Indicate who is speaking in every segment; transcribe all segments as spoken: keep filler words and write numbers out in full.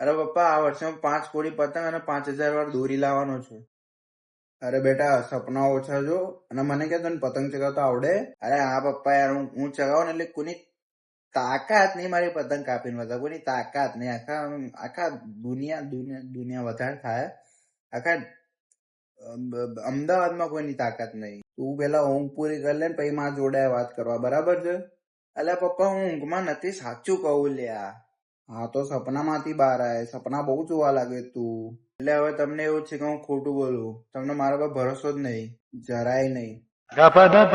Speaker 1: અરે પપ્પા આ વર્ષે હું પાંચ કોડી પતંગ અને પાંચ હજાર વાર દોરી લાવવાનો છું. અરે બેટા સપના ઓછા જો અને મને કે તને પતંગ ચગાવતા આવડે? અરે હા પપ્પા યાર હું હું ચગાવું ને એટલે કોની તાકાત નહીં મારી પતંગ કાપીને બધા કોઈની તાકાત નહીં. આખા આખા દુનિયા દુનિયા દુનિયા વધારે થાય. આખા અમદાવાદમાં કોઈની તાકાત નહીં. તું પેલા ઊંઘ પૂરી કરી લે ને પછી માં જોડે વાત કરવા, બરાબર છે? અલ્યા પપ્પા હું ઊંઘમાં નથી, સાચું કહું લ્યા. હા તો સપનામાંથી બહાર આવે. સપના બહુ જોવા લાગે તું. એટલે હવે તમને એવું છે કે હું ખોટું બોલું? તમને મારા પર ભરોસો જ નહીં, જરાય નહીં. અરે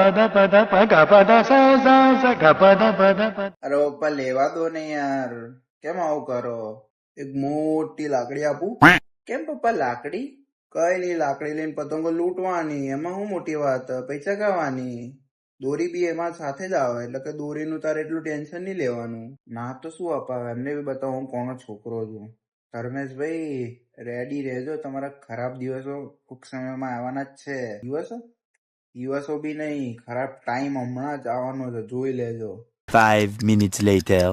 Speaker 1: પપ્પા લેવા દો ને યાર, કેમ આવું કરો? એક મોટી લાકડી આપું? કેમ પપ્પા લાકડી? કઈ નહીં, લાકડી લઈને પતંગો લૂંટવાની, એમાં શું મોટી વાત? પૈસા ચગાવવાની. દોરી બી એમાં સાથે જ આવે, એટલે કે દોરીનું તારે એટલું ટેન્શન નહીં લેવાનું. ના તો શું અપાવે, એમને બી બતાવો હું કોનો છોકરો છું. ધર્મેશભાઈ રેડી રહેજો, તમારા ખરાબ દિવસો ટૂંક સમયમાં આવવાના જ છે. દિવસો દિવસો બી નહીં, ખરાબ ટાઈમ હમણાં જ આવવાનો છે, જોઈ લેજો.
Speaker 2: Five minutes later.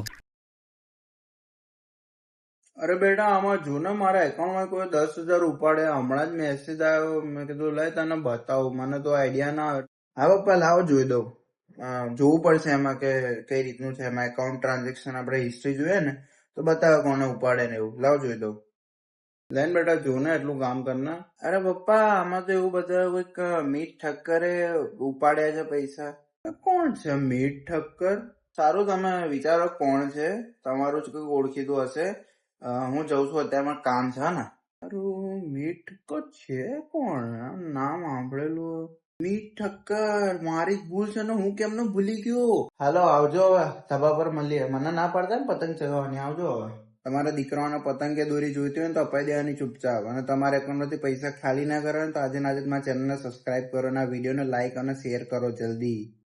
Speaker 1: અરે બેટા આમાં જો ને મારા એકાઉન્ટમાં કોઈ દસ હજાર ઉપાડે. હમણાં જ મેસેજ આવ્યો, મેં કીધું લઈ તને બતાવું, મને તો આઈડિયા ના આવે. હા પપ્પા લાવો જોઈ દઉં. જોવું પડશે એમાં કે કઈ રીતનું છે. એમાં એકાઉન્ટ ટ્રાન્ઝેક્શન આપણે હિસ્ટ્રી જોઈએ ને તો બતાવે કોને ઉપાડે ને એવું. લાવ જોઈ દઉં. લેન બેટા જો ને એટલું કામ કરના. અરે પપ્પા આમાં તો એવું બધા કોઈક મીટ ઠક્કરે ઉપાડ્યા છે પૈસા. કોણ છે મીટ ઠક્કર? સારું તમે વિચારો કોણ છે, તમારું જ કોઈ ઓળખીતું હશે. હું જઉં છું અત્યારે કામ છે ને. સારું મીટ ઠક્કર છે કોણ? નામ સાંભળેલું. મીટ ઠક્કર મારી જ ભૂલ છે ને, હું કેમનો ભૂલી ગયો. હાલો આવજો હવે, સભા પર મળીએ. મને ના પડતા ને પતંગ ચગાવવાની, આવજો હવે. તમારા દીકરાઓને પતંગ કે દોરી જોઈતી હોય ને તો અપાઈ દેવાની ચૂપચાપ. અને તમારા એકાઉન્ટમાંથી પૈસા ખાલી ના કરો ને તો આજે આજે મારા ચેનલને સબસ્ક્રાઇબ કરો અને આ વિડીયોને લાઈક અને શેર કરો જલ્દી.